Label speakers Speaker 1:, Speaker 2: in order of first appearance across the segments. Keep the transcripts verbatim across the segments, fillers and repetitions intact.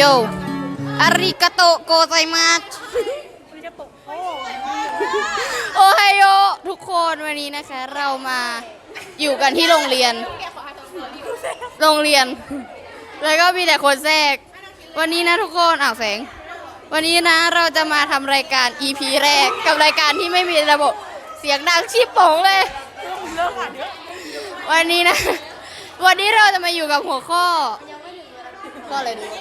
Speaker 1: ยอาริกาโตโกไซมัสโอไฮโอทุกคนวันนี้นะคะเรามาอยู่กันที่โรงเรียนโรงเรียนแล้วก็มีแต่คนแทรกวันนี้นะทุกคนอ้าวแสงวันนี้นะเราจะมาทำรายการ อี พี แรกกับรายการที่ไม่มีระบบเสียงดังชิบโป่งเลยวันนี้นะวันนี้เราจะมาอยู่กับหัวข้อก็อะไรดู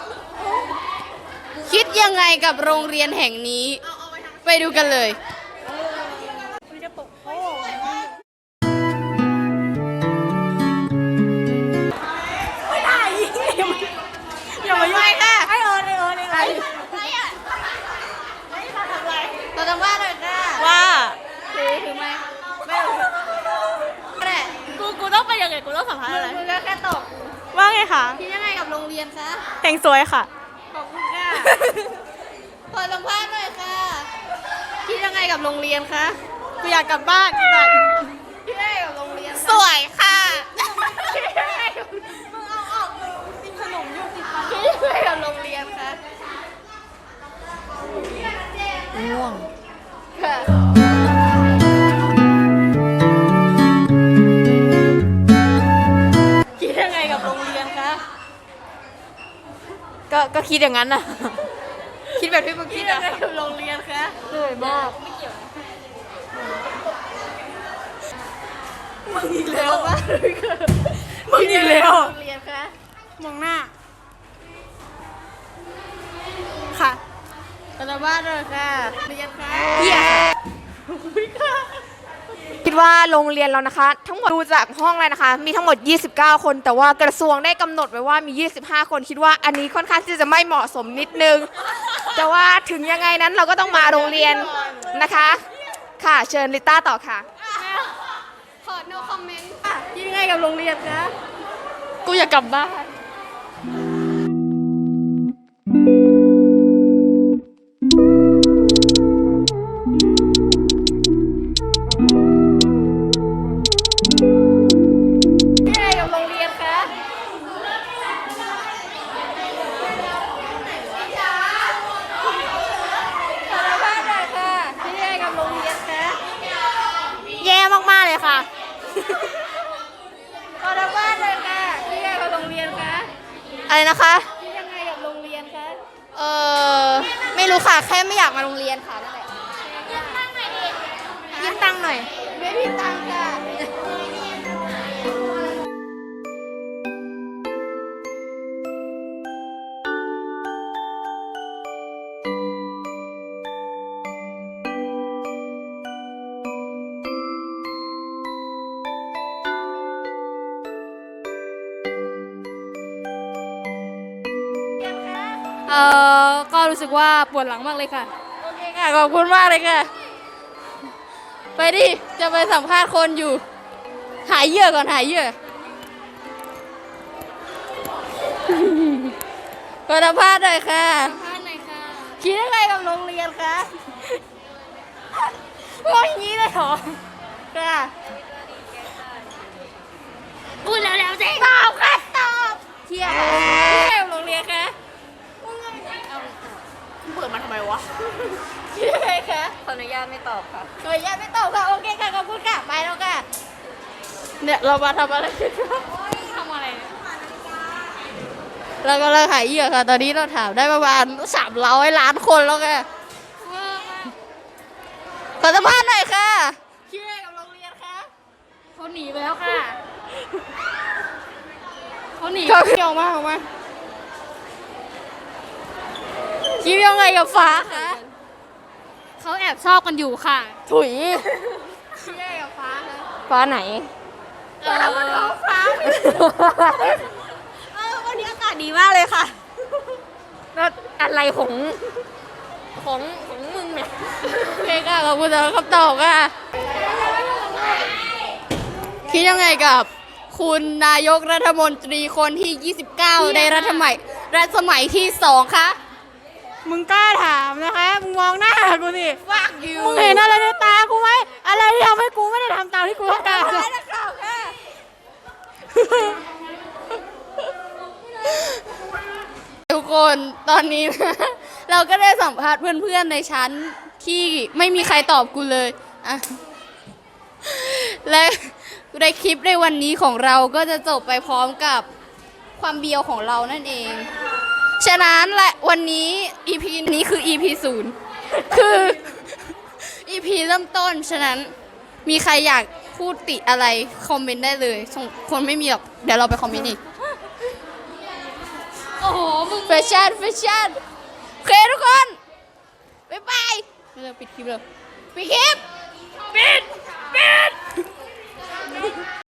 Speaker 1: คิดยังไงกับโรงเรียนแห่งนี้ไปดูกันเลย
Speaker 2: ไม่ได้อย่ามายุ่งค่ะไอเอิญไอเอิญไอเอิญ
Speaker 1: เราจะว่าเลยค่ะ
Speaker 2: ว่า
Speaker 1: ถือถือไหมไม่แหละ
Speaker 2: กูกูต้องไปยังไงกูต้องสัมภาษณ์อะไร
Speaker 1: มึงก็แค่ตอบ
Speaker 2: ว่าไงคะ
Speaker 1: คิดยังไงกับโรงเรียนคะ
Speaker 2: แต่งสวยค่ะ
Speaker 1: ขอบคุณค่ะขอสัมภาษณ์หน่อยค่ะคิดยังไงกับโรงเรียนคะ
Speaker 2: กูอยากกลับบ้านจัง
Speaker 1: คิดยังไงกับโรงเรียน
Speaker 2: สวยค่ะ
Speaker 1: คิดยังไงกับมึงเอาออกกินขนมอยู่ติดปากคิดยังไงกับโรงเรียนคะง่วงค่ะคิดยังไงกับโรงเรียนคะ
Speaker 2: ก็ก็คิดอย่างนั้นน่ะ
Speaker 1: คิดแบบที่มึงคิดยังไงกับโรงเรียนคะ
Speaker 2: เหนื่อยมากมึงอีกแล้ว
Speaker 1: ว่าเลยค่ะ
Speaker 2: มึงอีกแล้ว
Speaker 1: โรงเรียนคะ
Speaker 2: มองหน้าค่ะ
Speaker 1: ขอสัมภาษณ์หน่อยค่ะเรียนคะ
Speaker 2: เหี้ยคิดว่าโรงเรียนเรานะคะ ทั้งหมดดูจากห้องเลยนะคะ มีทั้งหมดยี่สิบเก้าคนแต่ว่ากระทรวงได้กำหนดไว้ว่ามียี่สิบห้าคนคิดว่าอันนี้ค่อนข้างที่จะไม่เหมาะสมนิดนึงแต่ว่าถึงยังไงนั้นเราก็ต้องมาโรงเรียนนะคะค่ะเชิญลิต้าต่อค่ะ
Speaker 1: ขอ no comment ค่ะคิดยังไงกับโรงเรียนคะ
Speaker 2: กูอยากกลับบ้าน
Speaker 1: คิดยังไงกับโรงเรียนคะขอสัมภาษณ์หน่อยค่ะคิดยังไงกับโรงเรียนคะ
Speaker 2: แย่มากๆเลยค่ะ
Speaker 1: ขอสัมภาษณ์หน่อยค่ะคิดยังไงกับโรงเรียนคะ
Speaker 2: อะไรนะคะ
Speaker 1: คิดยังไงกับโรงเรียนคะ
Speaker 2: เออไม่รู้ค่ะแค่ไม่อยากมาโรงเรียนค่ะนั่นแหละยืมตังค์หน่อย
Speaker 1: ไม่มีตังค์ค่ะ
Speaker 2: เออก็รู้สึกว่าปวดหลังมากเลยค่ะโอเคค่ะขอบคุณมากเลยค่ะ
Speaker 1: ไปดิจะไปสัมภาษณ์คนอยู่ หายเหยื่อก่อนหายเหยื่อขอสัมภาษณ์หน่อยค่ะ
Speaker 2: สัมภาษณ์หน่อยค่ะ
Speaker 1: คิดยังไงกับโรงเรียนคะ
Speaker 2: มองอย่างนี้เลยเหรอ
Speaker 1: ค่ะ
Speaker 2: พูดแล้วแล้วสิ
Speaker 1: ตอบค่ะตอบเที่ยคิดยังไงกับโรงเรียนคะ
Speaker 2: เปิดมาทำไมวะ
Speaker 1: คิดยังไงคะ
Speaker 2: ขออนุญาตไม่ตอบค่ะ
Speaker 1: ขออนุญาตไม่ตอบค่ะโอเคค่ะขอบคุณค่ะไปแล้วค่ะเนี่ยเรามาทำอะไรกันคะ
Speaker 2: ทำอะไร
Speaker 1: เรากำลังหายเหยื่อค่ะ ตอนนี้เราถามได้ประมาณสามร้อยล้านคนแล้วค่ะขอสัมภาษณ์หน่อยค่ะคิดยังไงกับโรงเรียนคะ
Speaker 2: เขาหนีไปแล้วค่ะเขาหนี
Speaker 1: เขาเกี่ยวมากออกมาคิดยังไงกับฟ้าคะ
Speaker 2: เขาแอบชอบกันอยู่ค่ะ
Speaker 1: ถุยคิดยังไงกับฟ้าคะ
Speaker 2: ฟ้าไหน
Speaker 1: เออท้องฟ้าเออวันนี้อากาศดีมากเลยค่ะ
Speaker 2: แล้วอะไรของของของมึงเนี่ย
Speaker 1: โอเคค่ะขอบคุณสำหรับคำตอบค่ะคิดยังไงกับคุณนายกรัฐมนตรีคนที่ ยี่สิบเก้า ในรัฐสมัยรัฐสมัยที่สองคะ
Speaker 2: มึงกล้าถามนะคะ มึงมองหน้ากูสิ
Speaker 1: ฟักยู
Speaker 2: มึงเห็นอะไรในตากูไหม อะไรที่ทำให้กูไม่ได้ทำตามที่กูต้องการ
Speaker 1: ได้นักข่าวค่ะ ทุกคนคนตอนนี้ เราก็ได้สัมภาษณ์เพื่อนๆในชั้นที่ไม่มีใครตอบกูเลยอะและในคลิปในวันนี้ของเราก็จะจบไปพร้อมกับความเบียวของเรานั่นเอง ฉะนั้นและวันนี้ อี พี นี้คือ อี พี ศูนย์ คือ อี พี เริ่มต้น ฉะนั้นมีใครอยากพูดติอะไรคอมเมนต์ได้เลยส่งคนไม่มีหรอกเดี๋ยวเราไปคอมเมนต์อีก โอ้โหมึงแฟชั่นแฟชั่นโอเคทุกคน บ๊ายบายเราปิดคลิปเลยปิดคลิป ปิด ปิด